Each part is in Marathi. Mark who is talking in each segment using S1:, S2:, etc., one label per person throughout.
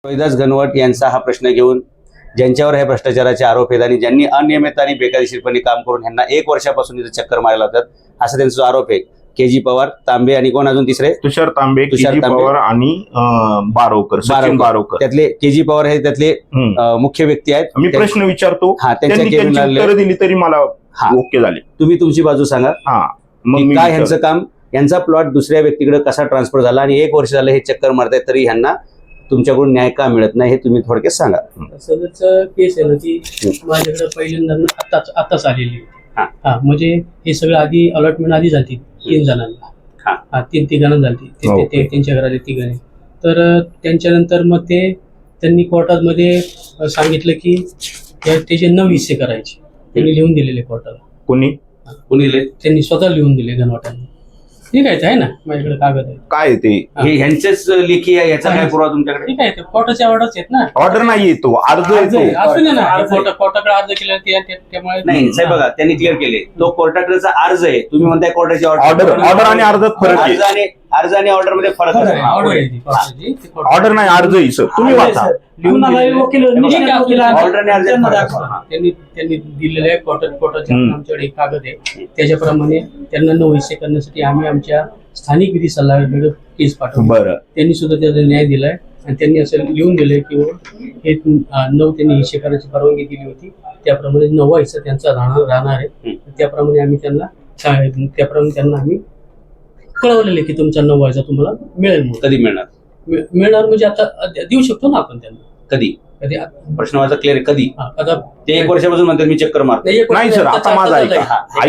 S1: रोहिदास घनवट यांचा हा प्रश्न घेऊन ज्यांच्यावर हे भ्रष्टाचाराचे आरोप आहेत आणि ज्यांनी अनियमित आणि बेकायदेशीरपणे काम करून यांना 1 वर्षापासून इथे चक्कर मारायला होतात असा त्यांचा आरोप आहे। के.जी. पवार, तांबे आणि कोण अजून तिसरे
S2: तुषार तांबे, के.जी. पवार आणि बारोकर, सचिन बारोकर।
S1: त्यातले के.जी. पवार हे त्यातले मुख्य व्यक्ती आहेत।
S2: मी प्रश्न विचारतो,
S1: त्यांची
S2: उत्तर दिली तरी मला ओके झाले।
S1: तुम्ही तुमची बाजू सांगा। मग काय ह्यांचं काम, यांचा प्लॉट दुसऱ्या व्यक्तीकडे कसा ट्रान्सफर झाला आणि 1 वर्ष झालं हे चक्कर मारतायत तरी ह्यांना तुमच्याकडून न्याय का मिळत नाही हे तुम्ही थोडक्यात सांगा।
S3: सदरचं केस आहे ना ती माझ्याकडे पहिल्यांदा आताच आलेली होती। म्हणजे हे सगळं आधी अलॉटमेंट आधी झाली 3 जणांना, 3 तिघांना झाली त्यांच्या घरातले तिघांनी। तर त्यांच्यानंतर मग त्यांनी कोर्टामध्ये सांगितलं की त्याचे 9 हिस्से करायचे, त्यांनी लिहून दिलेले कोर्टाला।
S2: कोणी
S3: त्यांनी स्वतः लिहून दिले घनवटांनी। ठीक आहे ना, माझ्याकडे कागद आहे।
S2: काय ते
S1: ह्यांचेच लेखी आहे, याचा काय पुरावा तुमच्याकडे?
S3: ठीक आहे, कोर्टाचे ऑर्डर्स आहेत ना।
S2: ऑर्डर नाही येतो, अर्ज येतो।
S3: असू दे ना, कोर्टाकडे अर्ज केला त्यामुळे
S1: नाही साहेब बघा, त्यांनी क्लिअर केले तो कोर्टाकडेचा अर्ज आहे, तुम्ही म्हणताय कोर्टाची
S2: ऑर्डर आणि अर्जात फरक आहे।
S1: अर्ज आणि ऑर्डर मध्ये फरक आहे।
S2: ऑर्डर नाही, अर्ज आहे सर, तुम्ही वाचा।
S3: त्यांनी दिलेले कोर्टाचे आमच्याकडे कागद आहे, त्याच्याप्रमाणे त्यांना 9 हिस्से करण्यासाठी आम्ही आमच्या स्थानिक विधी सल्लागाराकडे केस पाठवली।
S2: बरं,
S3: त्यांनी सुद्धा त्याचा न्याय दिलाय आणि त्यांनी असं लिहून दिलंय की हे 9 त्यांनी हिस्से करायची परवानगी दिली होती, त्याप्रमाणे 9वा हिस्सा त्यांचा राहणार आहे। त्याप्रमाणे आम्ही त्यांना आम्ही कळवलेलं की तुमचा 9वा हिस्सा तुम्हाला मिळेल।
S1: कधी मिळणार
S3: म्हणजे आता देऊ शकतो ना आपण त्यांना।
S1: कधी प्रश्न माझा क्लिअर आहे, कधी?
S3: आता
S1: ते 1 वर्षापासून म्हणतात मी चक्कर मारतो।
S2: नाही सर, आता माझा ऐका,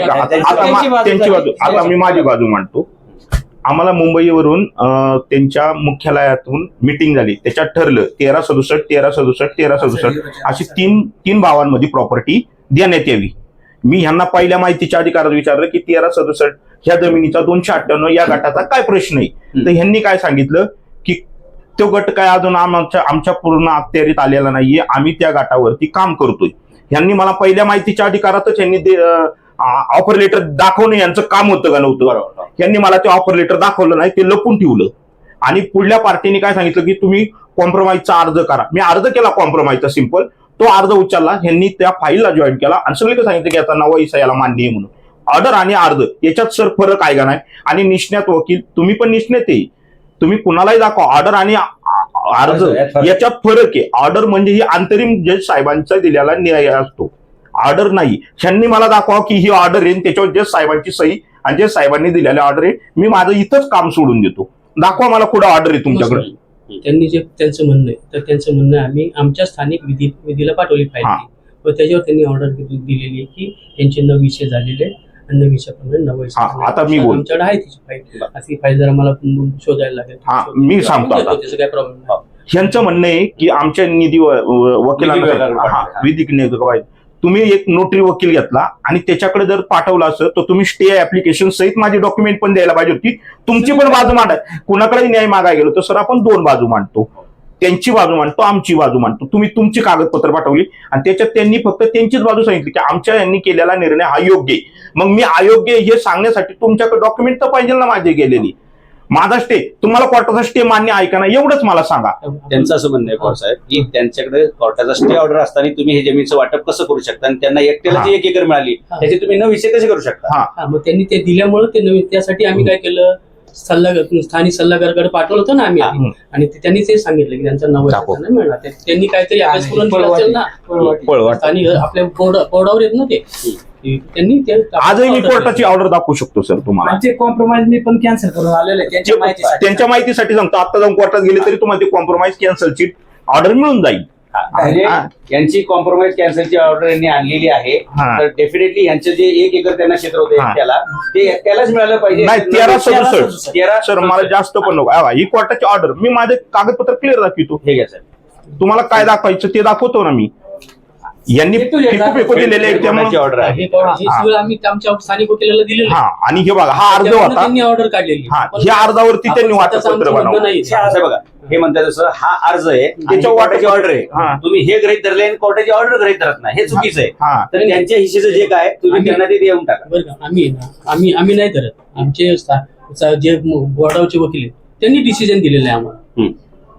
S2: त्यांची बाजू, आता मी माझी बाजू मांडतो। आम्हाला मुंबईवरून त्यांच्या मुख्यालयातून मीटिंग झाली, त्याच्यात ठरलं 1367, 1367, 1367 अशी तीन भावांमध्ये प्रॉपर्टी देण्यात यावी। मी ह्यांना पहिल्या माहितीच्या अधिकारात विचारलं की 1367 ह्या जमिनीचा 298 या गटाचा काय प्रश्न आहे, तर ह्यांनी काय सांगितलं की तो गट काय अजून आमच्या पूर्ण अखत्यारीत आलेला नाहीये, आम्ही त्या गटावरती काम करतोय। ह्यांनी मला पहिल्या माहितीच्या अधिकारातच ह्यांनी ऑफर लेटर दाखवणं यांचं काम होतं का नव्हतं? यांनी मला ते ऑफर लेटर दाखवलं नाही, ते लपून ठेवलं। आणि पुढल्या पार्टीने काय सांगितलं की तुम्ही कॉम्प्रोमाइजचा अर्ज करा। मी अर्ज केला कॉम्प्रोमाइजचा, सिंपल तो अर्ज उचलला, यांनी त्या फाईलला जॉईन केला आणि सगळं सांगितलं की आता 9वा हिस्सा याला मान्य आहे म्हणून। ऑर्डर आणि अर्ज याच्यात सर फरक आहे का नाही? आणि निष्णात वकील, तुम्ही पण निष्णात आहे, तुम्ही कुणालाही दाखवा, ऑर्डर आणि अर्ज याच्यात फरक आहे। ऑर्डर म्हणजे ही अंतरिम जज साहेबांचा दिलेला न्याय असतो, ऑर्डर नाही। ह्यांनी मला दाखवा की ही ऑर्डर आहे, त्याच्यावर जज साहेबांची सही आणि जज साहेबांनी दिलेली ऑर्डर आहे, मी माझं इथंच काम सोडून देतो। दाखवा मला कुठं ऑर्डर आहे तुमच्याकडे।
S3: त्यांनी जे त्यांचं म्हणणं आहे, तर त्यांचं म्हणणं आम्ही आमच्या स्थानिक विधीला पाठवली पाहिजे व त्याच्यावर त्यांनी ऑर्डर दिलेली आहे की यांचे 9 विषय झालेले आणि 9 विषयाप्रमाणे 9 विषय
S2: आता मी
S3: आमच्याकडे आहे तिची फाईल, अशी फाईल जरा मला शोधायला लागेल।
S2: मी सांगतो आता,
S3: त्याचं काय प्रॉब्लेम नाही।
S2: ह्यांचं म्हणणं आहे की आमच्या निधी वकिलांना विधी तुम्ही एक नोटरी वकील घेतला आणि त्याच्याकडे जर पाठवलं असं तर तुम्ही स्टे ऍप्लिकेशन सहित माझी डॉक्युमेंट पण द्यायला पाहिजे होती, तुमची पण बाजू मांडा। कुणाकडे न्याय मागायला गेलो तर सर आपण 2 बाजू मांडतो, त्यांची बाजू मांडतो, आमची बाजू मांडतो। तुम्ही तुमची कागदपत्र पाठवली आणि त्याच्यात त्यांनी फक्त त्यांचीच बाजू सांगितली की आमच्या यांनी केलेला निर्णय हा योग्य आहे। मग मी अयोग्य हे सांगण्यासाठी तुमच्याकडे डॉक्युमेंट तर पाहिजे ना माझे गेलेली। माझा स्टे, तुम्हाला कोर्टाचा स्टे मान्य आहे का नाही एवढंच मला सांगा।
S1: त्यांचं असं म्हणणं आहे पवार साहेब की त्यांच्याकडे कोर्टाचा स्टे ऑर्डर असताना तुम्ही हे जमीनचं वाटप कसं करू शकता आणि त्यांना एकट्याला जी 1 एकर मिळाली त्याचे तुम्ही 9 हिस्से कसे करू शकता?
S3: मग त्यांनी ते दिल्यामुळे त्यासाठी आम्ही काय केलं, स्थानिक सल्लागाराकडे पाठवलं होतं ना आम्ही, आणि त्यांनी ते सांगितलं की त्यांचा 9 हिस्सा मिळणार। त्यांनी काहीतरी अभ्यास करून दिला असेल ना, स्थानिक आपल्या बोर्डावर येत ना ते, त्यांनी
S2: आजही मी कोर्टाची ऑर्डर दाखवू शकतो सर तुम्हाला।
S4: ते कॉम्प्रोमाइज मी पण कॅन्सल करून आलेले
S2: त्यांच्या माहितीसाठी सांगतो, आता जाऊन कोर्टात गेले तरी तुम्हाला ते कॉम्प्रोमाइज कॅन्सलची ऑर्डर मिळून जाईल।
S1: यांची कॉम्प्रोमाइज कॅन्सलची ऑर्डर यांनी आणलेली आहे, तर डेफिनेटली यांचं जे 1 एकर त्यांना क्षेत्र होतं ते एकट्यालाच मिळालं पाहिजे।
S2: नाही 1367 सर, मला जास्त पण नको। ही कोर्टाची ऑर्डर, मी माझे कागदपत्र क्लिअर दाखवतो।
S1: ठीक आहे सर,
S2: तुम्हाला काय दाखवायचं ते दाखवतो ना मी। यांनी फेकू दिलेले आहे त्यामुळे
S1: ऑर्डर आहे,
S3: आम्ही आमच्या स्थानिक वकिलाला दिलेलं आहे।
S2: आणि हे बघा हा अर्ज होता,
S3: त्यांनी ऑर्डर काढलेली,
S2: ह्या अर्जावरती त्यांनी वाटपत्र बनवलं।
S1: बघा हे म्हणतात जसं हा अर्ज आहे त्याच्या कोर्टाची ऑर्डर आहे, तुम्ही हे गृहीत धरले आणि कोर्टाची ऑर्डर गृहीत धरत नाही, हे चुकीचं आहे। तर त्यांच्या हिस्सेचं जे काय तुम्ही त्यांना ते देऊन टाका।
S3: बरं का, आम्ही नाही धरत, आमचे जे बोर्डावरचे वकील आहेत त्यांनी डिसिजन दिलेलं आहे आम्हाला।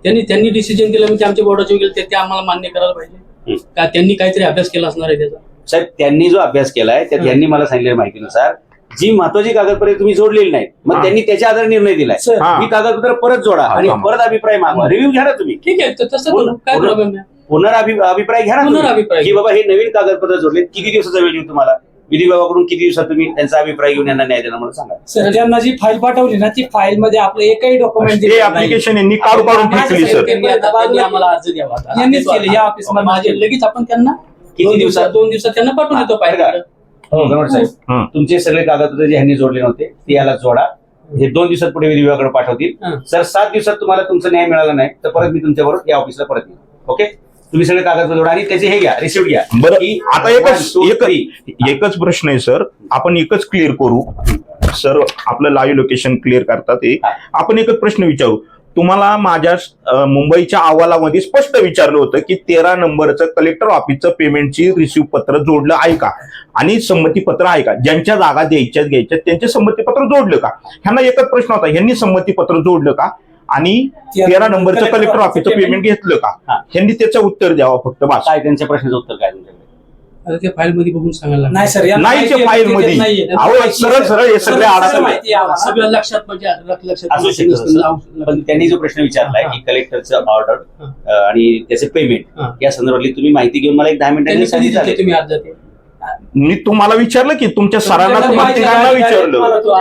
S3: त्यांनी डिसिजन दिलं म्हणजे आमच्या बोर्डाचे वगैरे ते आम्हाला मान्य करायला पाहिजे का त्यांनी काहीतरी अभ्यास केला असणार आहे त्याचा.
S1: साहेब त्यांनी जो अभ्यास केलाय त्यात त्यांनी मला सांगितलेल्या माहितीनुसार जी महत्वाची कागदपत्रे तुम्ही जोडलेली नाहीत मग त्यांनी त्याच्या आधारे निर्णय दिलाय ही कागदपत्र परत जोडा आणि परत अभिप्राय मागवा, रिव्ह्यू घ्या ना तुम्ही.
S3: ठीक आहे तसं करू, काय प्रॉब्लेम आहे.
S1: पुनराभिप्राय घ्या ना
S3: पुनराभिप्राय.
S1: की बाबा हे नवीन कागदपत्र जोडले, किती दिवसाचा वेळ देऊ तुम्हाला, विधी विभागाकडून किती दिवसात तुम्ही त्यांचा अभिप्राय घेऊन यांना न्याय देणार मला सांगा.
S4: सर त्यांना जी फाईल पाठवली ना ती फाईल मध्ये आपलं एकही डॉक्युमेंट
S2: ते ऍप्लिकेशन यांनी काढून फेकली सर.
S3: त्यांनी आम्हाला अर्ज द्यावा
S4: यांनीच केले या ऑफिसमध्ये.
S3: माझे लगेच आपण त्यांना
S1: किती दिवसात
S3: 2 दिवसात त्यांना पाठवून देतो पाहिजे.
S1: गणवट साहेब तुमचे सगळे कागदपत्र जे ह्यांनी जोडले नव्हते ते याला जोडा, हे 2 दिवसात पुढे विधी विभागाकडे पाठवतील. सर 7 दिवसात तुम्हाला तुमचा न्याय मिळाला नाही तर परत मी तुमच्याबरोबर या ऑफिसला परत येईल. ओके, तुम्ही सगळे कागदपत्र जोडा आणि त्याचे हे घ्या, रिसिप्ट घ्या.
S2: बरं
S1: की
S2: आता
S1: 1, 2, 3.
S2: एकच प्रश्न आहे सर, आपण एकच क्लिअर करू सर, आपलं लाईव्ह लोकेशन क्लिअर करतात आपण एकच प्रश्न विचारू तुम्हाला. माझ्या मुंबईच्या अहवालामध्ये स्पष्ट विचारलं होतं की 13 नंबरचं कलेक्टर ऑफिसचं पेमेंटची रिसिव्ह पत्र जोडलं आहे का आणि संमतीपत्र आहे का, ज्यांच्या जागा द्यायच्यात घ्यायच्यात त्यांचे संमतीपत्र जोडलं का. ह्यांना एकच प्रश्न होता, ह्यांनी संमतीपत्र जोडलं का आणि 13 नंबरचं कलेक्टर ऑफिसचं पेमेंट घेतलं का. ह्यांनी त्याचं उत्तर द्यावं फक्त बस.
S1: काय त्यांच्या प्रश्नाचं उत्तर काय तुमच्याकडे?
S3: त्या फाईल मध्ये बघून सांगायला
S4: नाही सर
S2: नाहीच्या फाईल मध्ये सरळ सरळ हे सगळे अडचण
S3: सगळं लक्षात म्हणजे
S1: असू शकतं. पण त्यांनी जो प्रश्न विचारलाय की कलेक्टरचं ऑर्डर आणि त्याचे पेमेंट या संदर्भातली तुम्ही माहिती घेऊन मला एक 10 मिनिटांनी सांगितलं.
S3: तुम्ही अर्ज द्या.
S2: मी तुम्हाला विचारलं की तुमच्या सरांना प्रत्येकांना विचारलं.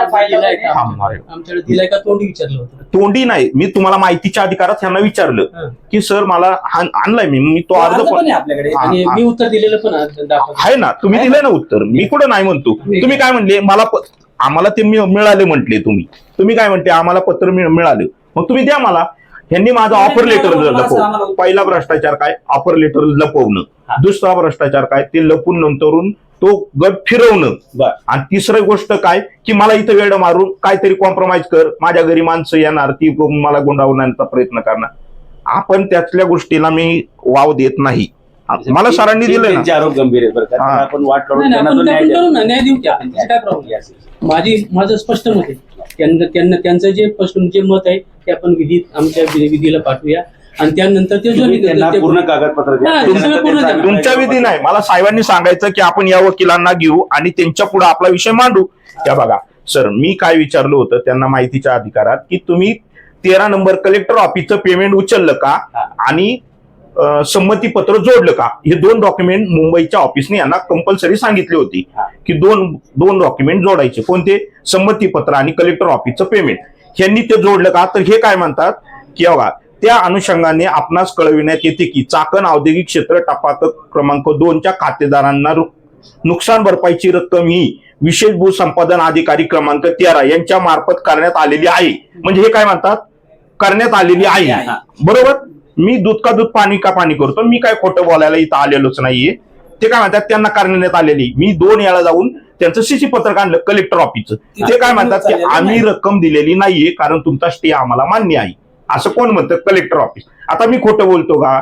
S3: आमच्याकडे दिलाय का तोंडी विचारलं होतं.
S2: तोंडी नाही, मी तुम्हाला माहितीच्या अधिकारात ह्यांना विचारलं की सर मला आणलाय मी तो अर्ज पण
S4: आपल्याकडे
S3: आणि मी उत्तर दिलेलं पण
S2: आहे ना, तुम्ही दिलंय ना उत्तर, मी कुठं नाही म्हणतो. तुम्ही काय म्हणले मला आम्हाला ते मिळाले म्हटले, तुम्ही काय म्हणते आम्हाला पत्र मिळालं, मग तुम्ही द्या मला. ह्यांनी माझं ऑफर लेटर लपवलं. पहिला भ्रष्टाचार काय, ऑफर लेटर लपवणं. दुसरा भ्रष्टाचार काय, ते लपून नंतरून तो गट फिरवणं. आणि तिसरी गोष्ट काय की मला इथं वेळ मारून काहीतरी कॉम्प्रोमाइज कर, माझ्या घरी माणसं येणार ती मला गुंडावण्याचा प्रयत्न करणार. आपण त्यातल्या गोष्टीला मी वाव देत नाही. मला सरांनी दिलं ना.
S1: आरोप गंभीर आहेत बरं का, आपण वाट काढून
S3: न्याय देऊ क्या, काय प्रॉब्लेम. माझं स्पष्ट मत आहे, त्यांचं जे जे मत आहे ते आपण आमच्या विधीला पाठवूया आणि त्यानंतर ते
S1: पूर्ण कागदपत्र
S2: तुमच्या विधी नाही, मला साहेबांनी सांगायचं की आपण या वकिलांना घेऊ आणि त्यांच्या पुढे आपला विषय मांडू. त्या बघा सर, मी काय विचारलं होतं त्यांना माहितीच्या अधिकारात की तुम्ही 13 नंबर कलेक्टर ऑफिसचं पेमेंट उचललं का आणि संमतीपत्र जोडलं का. हे 2 डॉक्युमेंट मुंबईच्या ऑफिसने यांना कंपल्सरी सांगितले होते की दोन डॉक्युमेंट जोडायचे. कोणते, संमतीपत्र आणि कलेक्टर ऑफिसचं पेमेंट. ह्यांनी ते जोडलं का, तर हे काय म्हणतात की बघा त्या अनुषंगाने आपणास कळविण्यात येते की चाकण औद्योगिक क्षेत्र टपाल क्रमांक 2च्या खातेदारांना नुकसान भरपाईची रक्कम ही विशेष भूसंपादन अधिकारी क्रमांक 13 यांच्या मार्फत करण्यात आलेली आहे. म्हणजे हे काय म्हणतात, करण्यात आलेली आहे. बरोबर, मी दूध का दूध पाणी का पाणी करतो, मी काय खोटं बोलायला इथं आलेलोच नाहीये. ते काय म्हणतात त्यांना करण्यात आलेली. मी 2 वेळा जाऊन त्यांचं सीसी पत्रक आणलं कलेक्टर ऑफिसचं. ते काय म्हणतात की आम्ही रक्कम दिलेली नाहीये कारण तुमचा स्टे आम्हाला मान्य आहे. असं कोण म्हणतं, कलेक्टर ऑफिस. आता मी खोटं बोलतो का.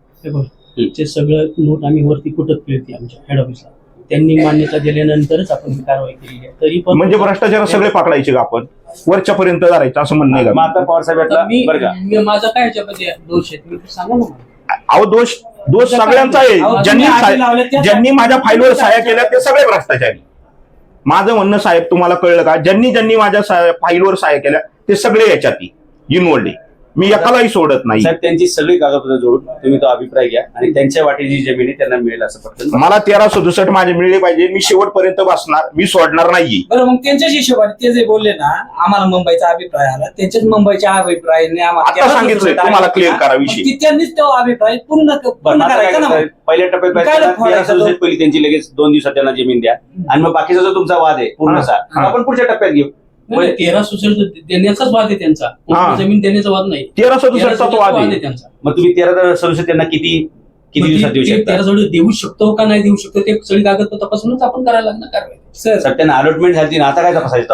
S3: ते सगळं नोट आम्ही वरती कुठत केली आमच्या हेड ऑफिसला, त्यांनी मान्यता दिल्यानंतरच आपण ही कारवाई केली आहे. तरी पण
S2: म्हणजे भ्रष्टाचार सगळे पकडायचे का आपण, वरच्या पर्यंत धरायचं असं म्हणणं आहे का.
S1: आता पवार साहेब
S3: माझा काय ह्याच्यामध्ये दोष आहे तुम्ही सांगा ना.
S2: अहो दोष सगळ्यांचा आहे. ज्यांनी माझ्या फाईलवर सह्या केल्या ते सगळे भ्रष्टाचारी. माझं म्हणणं साहेब तुम्हाला कळलं का, ज्यांनी माझ्या फाईलवर सह्या केल्या ते सगळे याच्यात इन्व्हॉल्ड आहे. मी एकालाही सोडत नाही.
S1: साहेब त्यांची सगळी कागदपत्र जोडून तुम्ही तो अभिप्राय घ्या आणि त्यांच्या वाटेची जमीन आहे त्यांना मिळेल असं पटकन.
S2: मला 1367 माझे मिळले पाहिजे. मी शेवटपर्यंत बसणार, मी सोडणार नाही.
S4: बरं, मग त्यांच्याच हिशोबाने ते जे बोलले ना आम्हाला मुंबईचा अभिप्राय आला, त्यांच्याच मुंबईच्या अभिप्रायाने
S2: आता सांगितलंय तुम्हाला क्लिअर करा विषय.
S4: त्यांनीच तो अभिप्राय पूर्ण करायचा ना.
S1: पहिल्या टप्प्यात पहिली त्यांची लगेच 2 दिवसात त्यांना जमीन द्या आणि मग बाकीचा जो तुमचा वाद आहे पूर्णचा आपण पुढच्या टप्प्यात घेऊ.
S3: 13 देण्याचाच वाद आहे त्यांचा, जमीन देण्याचा वाद नाही.
S2: 1367 वाद आहे
S3: त्यांचा.
S1: मग तुम्ही 1367 त्यांना किती दिवसात देऊ शकता.
S3: 13 देऊ शकतो का नाही देऊ शकतो ते सगळी कागदपत्र तपासूनच आपण करायला लागणार कारवाई.
S1: सर त्यांना अलॉटमेंट झाली ना, आता काय तपासायचं.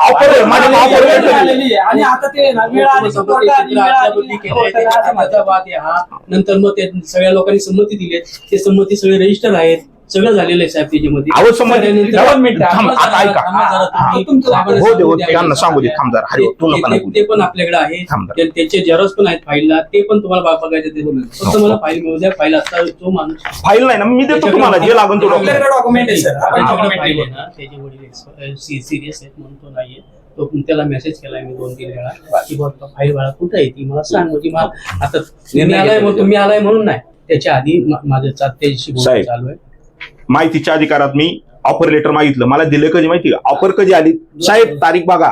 S3: आणि आता ते वाद आहे हा. नंतर मग ते सगळ्या लोकांनी संमती दिली, ते संमती सगळे रजिस्टर आहेत. सगळं झालेलं आहे साहेब त्याच्यामध्ये.
S2: अहो संबंधित
S3: त्यानंतर-
S2: दोन मिनिटं, थांब,
S3: थांबा
S2: आता
S3: जरा,
S2: ऐका.
S3: थांबा जरा तुम्ही.
S4: तुमचं-
S3: साहेबांना
S2: हो दे, हो
S3: सांगू
S2: दे,
S3: द्या.
S2: त्यांना सांगू दे, थांब जरा. हरी, तू नका
S3: ते-
S2: बोलू.
S3: ते पण आपल्याकडे आहे.
S2: थांब जरा.
S3: त्याचे जेरॉक्स पण आहेत फाईलला, ते पण तुम्हाला बघायचे ते. फक्त मला फाईल मिळू द्या. फाईल आता जो माणूस
S2: फाईल नाही ना, मी देतो तुम्हाला जे लागून तो डॉक्युमेंट.
S4: आपल्याकडे डॉक्युमेंट आहे सर, आपण
S3: त्याच्याकडे
S4: document
S3: फाईल आहे
S4: देऊ.
S3: ना, त्याचे वडील सिरियस आहेत म्हणून तो नाहीये. तो त्याला मेसेज केलाय मी 2-3 वेळा की बाबा फाईल बाळा कुठे आहे ती मला सांग. म्हणजे मला आता तुम्ही आलाय म्हणून नाही, त्याच्या आधी माझं त्याच्याशी बोलणं
S2: साहेब.
S3: चालू आहे.
S2: माहितीच्या अधिकारात मी ऑफर लेटर मागितलं, मला दिलं कधी माहिती का? ऑफर कधी आली साहेब, तारीख बघा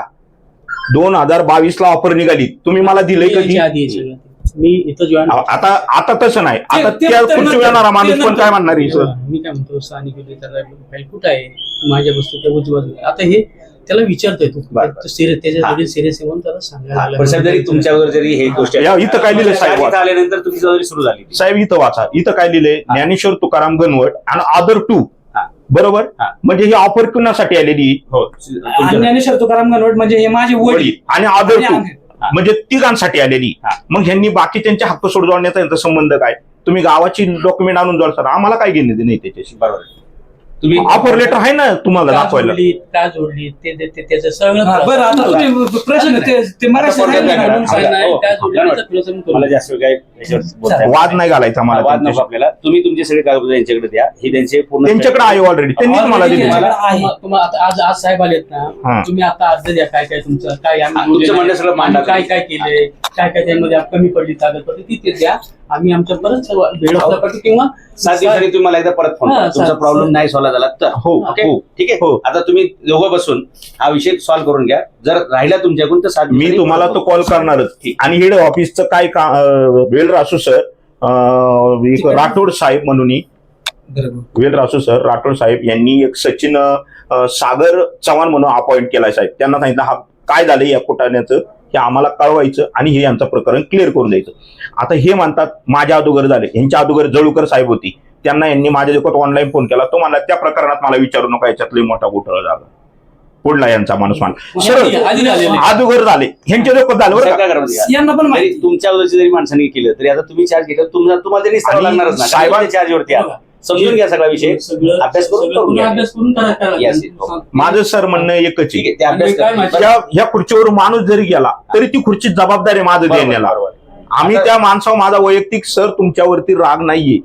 S2: 2022 ला ऑफर निघाली, तुम्ही मला दिलंय कधी?
S3: याच्या आधी आहे सगळं ते. मी इथं जॉईन
S2: आता तसं नाही, आता
S4: ते-
S2: त्या
S4: ते
S2: खुर्ची
S4: नंतर-
S2: येणारा माणूस
S4: ते
S2: पण काय म्हणणार आहे सर?
S3: मी काय म्हणतो स्थानिक फाईल कुठं आहे माझ्या वस्तू त्या उजव्या. आता हे त्याला विचारतोय तू
S1: बरं.
S3: सिरियस त्याच्या
S1: हा.
S3: वडील सिरियस आहे म्हणून त्याला सांगायला
S1: पण साहेब जरी
S3: लागलं.
S1: तुमच्यावर जरी हे गोष्ट
S2: या, इथं काय लिहिलंय साहेब?
S1: इथं आल्यानंतर तुमची जबाबदारी सुरू झाली.
S2: साहेब इथं वाचा, इथं काय लिहिलंय? ज्ञानेश्वर तुकाराम गणवट आणि अदर टू,
S1: हा.
S2: बरोबर?
S1: हा.
S2: म्हणजे ही ऑफर कुणासाठी आलेली?
S1: हो
S4: आणि ज्ञानेश्वर तुकाराम गणवट म्हणजे हे माझे वडील
S2: वडील आणि अदर
S4: आणि
S2: टू,
S4: आम्ही.
S2: म्हणजे तिघांसाठी आलेली.
S1: हा.
S2: मग ह्यांनी बाकीच्यांचे हक्क सोड जोडण्याचा यांचा संबंध काय? तुम्ही गावाची डॉक्युमेंट आणून जोडता, आम्हाला काय घेणे नाही त्याच्याशी.
S1: बरोबर. तुम्ही
S2: ऑफर लेटर आहे ना तुम्हाला
S3: का
S2: दाखवायला.
S3: जोडली का जोडली त्याचं सगळं
S4: हा, बरं आता तुम्ही प्रश्न ते मराठी
S1: आता
S4: सांगितलं
S1: कोणत्या
S4: ना.
S3: म्हणून सांगितलं आहे,
S1: हो,
S3: का जोडली
S1: हो,
S3: त्याचा खुलासा मी करू.
S1: मला जास्त काय याच्यावर बोलता येत
S2: वाद नाही घालायचा
S1: हा,
S2: मला
S1: वाद नको
S2: त्यांच्याशी.
S1: आपल्याला. तुम्ही तुमचे सगळे कागद यांच्याकडे द्या, ही त्यांचे पूर्ण
S2: त्यांच्याकडे आहे ऑलरेडी, त्यांनी तुम्हाला
S4: Already
S2: दिली.
S4: आहे.
S3: तुम्हाला आता आज साहेब आलेत
S2: हा.
S3: ना, तुम्ही आता अर्ज द्या काय काय तुमचं काय
S1: हा,
S3: आम्ही
S1: तुमचं म्हणणं सगळं मांडा
S3: आम्ही काय काय केलंय, काय काय त्यामध्ये कमी पडली कागदपत्र ती ते द्या. आम्ही आमच्या परत सर्व वेळ वापरतो किंवा
S1: 7 दिवसांनी तुम्ही मला एकदा परत फोन करा.
S3: हा,
S1: तुमचा
S3: चालेल.
S1: प्रॉब्लेम नाही सॉल्व्ह झाला तर.
S2: हो,
S1: ओके?
S2: हो.
S1: ठीक आहे.
S2: हो.
S1: आता तुम्ही दोघं बसून हा विषय सॉल्व्ह करून घ्या. जर राहिला तुमच्याकडून तर 7
S2: मी
S1: दिवसांनी
S2: तुम्हाला
S1: परत
S2: तो
S1: बोलतो.
S2: कॉल करणारच.
S1: ठीक.
S2: आणि हेड ऑफिसचं काय वेल रासू सर, एक राठोड साहेब म्हणून,
S4: बरोबर.
S2: वेल रासू सर राठोड साहेब यांनी एक सचिन सागर चव्हाण म्हणून अपॉइंट केलाय साहेब. त्यांना सांगितलं हा काय झालंय या कुटाण्याचं हे आम्हाला कळवायचं आणि हे यांचं प्रकरण क्लिअर करून द्यायचं. आता हे म्हणतात माझ्या अगोदर झाले, यांच्या अगोदर जळूकर साहेब होती, त्यांना यांनी माझ्या देखत ऑनलाईन फोन केला. तो म्हणला त्या प्रकरणात मला विचारू नका, याच्यातले मोठा घोटाळा झाला. पुढला यांचा माणूस मान सरळ
S3: आधी झालेलं आहे.
S2: अगोदर झाले, ह्यांच्या देखत झालं बरं
S1: साहेब
S2: का?
S1: काय करा माहिती
S4: यांना पण
S1: आहे?
S4: माहिती
S1: जरी तुमच्या अगोदरची जरी माणसांनी केलं तरी आता तुम्ही चार्ज घेतला तुम्हाला तरी
S2: आणि
S1: लागणारच ना.
S2: साहेबां-
S1: चार्जवरती आला. समजून घ्या सगळा विषय.
S3: सगळं
S1: अभ्यास करून
S3: सगळं पुन्हा
S1: घ्या.
S3: अभ्यास करून करा.
S1: Yes, हो.
S2: माझं सर म्हणणं एकच
S1: ठीक
S2: आहे,
S1: आहे. ते अभ्यास
S3: आणि काय
S1: करा.
S3: माहिती-
S2: ह्या खुर्चीवर माणूस जरी गेला तरी ती खुर्ची जबाबदार आहे माझं
S1: बरोबर,
S2: देण्याला.
S1: बरोबर.
S2: आम्ही
S1: आता-
S2: त्या माणसावर माझा वैयक्तिक सर तुमच्यावरती राग नाहीये,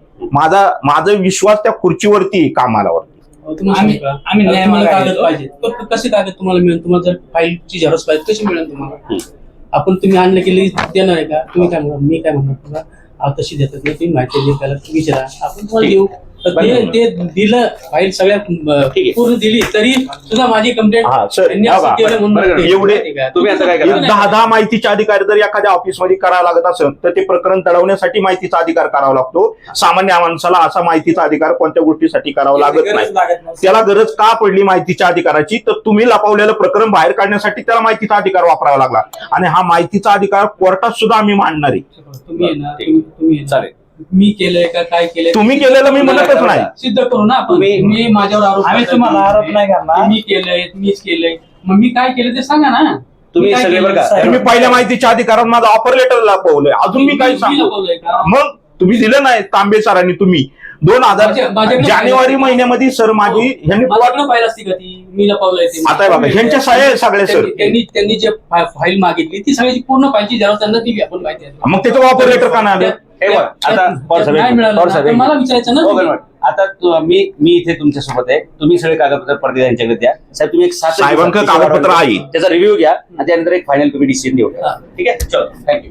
S2: माझा विश्वास त्या खुर्चीवरती आहे, कामालावरती.
S3: तुम्हाला
S4: आम्ही-
S3: सांगू का?
S4: आम्ही न्याय
S3: तुम्हाला
S4: मागायला
S3: कागद
S4: येतो.
S3: पाहिजे तर कसे कागद तुम्हाला मिळेल? तुम्हाला जर फाईलची झेरॉक्स पाहिजे कशी मिळेल तुम्हाला? आपण तुम्ही आणलं की लगेच देणार आहे का? तुम्ही काय म्हणणार? मी काय म्हणणार तुला तशी देतात नाही, तुम्ही माहिती दे त्याला विचारा, आपण तुम्हाला
S1: ठीक.
S3: देऊ. तर ते दिलं फाईल सगळ्या
S1: ठीक आहे.
S3: पूर्ण दिली तरी सुद्धा माझी कंप्लेंट
S2: हा, सर,
S3: त्यांनी
S2: हा
S3: असं
S2: बा,
S3: केलं म्हणून
S1: बरं,
S3: ते-
S2: एवढे-
S3: ठीक आहे.
S1: तुम्ही आता काय करा?
S2: एक 10 माहितीचे अधिकार जर एखाद्या ऑफिसमध्ये करायला लागत असेल तर ते प्रकरण तडवण्यासाठी माहितीचा अधिकार करावा लागतो. सामान्य माणसाला असा माहितीचा अधिकार कोणत्या गोष्टीसाठी करावा लागत नाही.
S4: गरज लागत नाही.
S2: त्याला गरज का पडली माहितीच्या अधिकाराची? तर तुम्ही लपवलेलं प्रकरण बाहेर काढण्यासाठी त्याला माहितीचा अधिकार वापरावा लागला आणि हा माहितीचा अधिकार कोर्टात सुद्धा आम्ही मांडणार आहे.
S3: तुम्ही आहे ना,
S1: ठीक.
S3: तुम्ही आहे ना,
S1: चालेल.
S3: मी केलंय का काय केलंय
S2: तुम्ही केलेलं मी म्हणतच नाही.
S3: सिद्ध करू ना आपण.
S1: तुम्ही-
S3: मी माझ्यावर आरोप
S4: आम्ही
S3: करताय.
S4: तुम्हाला आरोप नाही करणार.
S3: मी केलंय मीच केलंय, मग मी काय केलं ते सांगा ना.
S1: तुम्ही
S3: मी काय
S1: सगळे
S3: केलं?
S1: बरं का?
S4: साहेब,
S2: तुम्ही पहिल्या माहितीच्या अधिकारात माझा ऑफर लेटर लपवलंय, अजून मी काय
S3: मी
S2: सांगू?
S3: लपवलंय का?
S2: मग तुम्ही दिलं नाही तांबे सरांनी. तुम्ही 2000
S3: माझ्याकडे
S2: जानेवारी
S3: पाहिलं.
S2: महिन्यामध्ये सर माझी ह्यांनी
S3: माझ्याकडे फाईल असती का ती? मी लपवलंय ते.
S2: आता बघा ह्यांच्या सह्या आहे सगळे सर.
S3: त्यांनी जे फाईल मागितली ती सगळ्याची पूर्ण फाईलची जरा त्यांना दिली आपण माहिती आहे.
S2: मग त्याचं ऑफर लेटर का नाही आलं?
S1: हे बघ, आता पवार साहेब,
S3: नाही मिळालं
S1: पवार
S3: ना,
S1: साहेब,
S3: तर मला विचारायचं ना
S1: हो,
S3: तुम्ही.
S1: बरोबर. आता मी इथे तुमच्या सोबत आहे. तुम्ही सगळे कागदपत्र परत यांच्याकडे द्या. साहेब तुम्ही एक 7
S2: साहेबांकडे कागदपत्र आहे.
S1: त्याचा रिव्ह्यू घ्या आणि त्यानंतर एक फायनल तुम्ही डिसिजन देऊ.
S3: हा.
S1: ठीक आहे, चलो थँक्यू.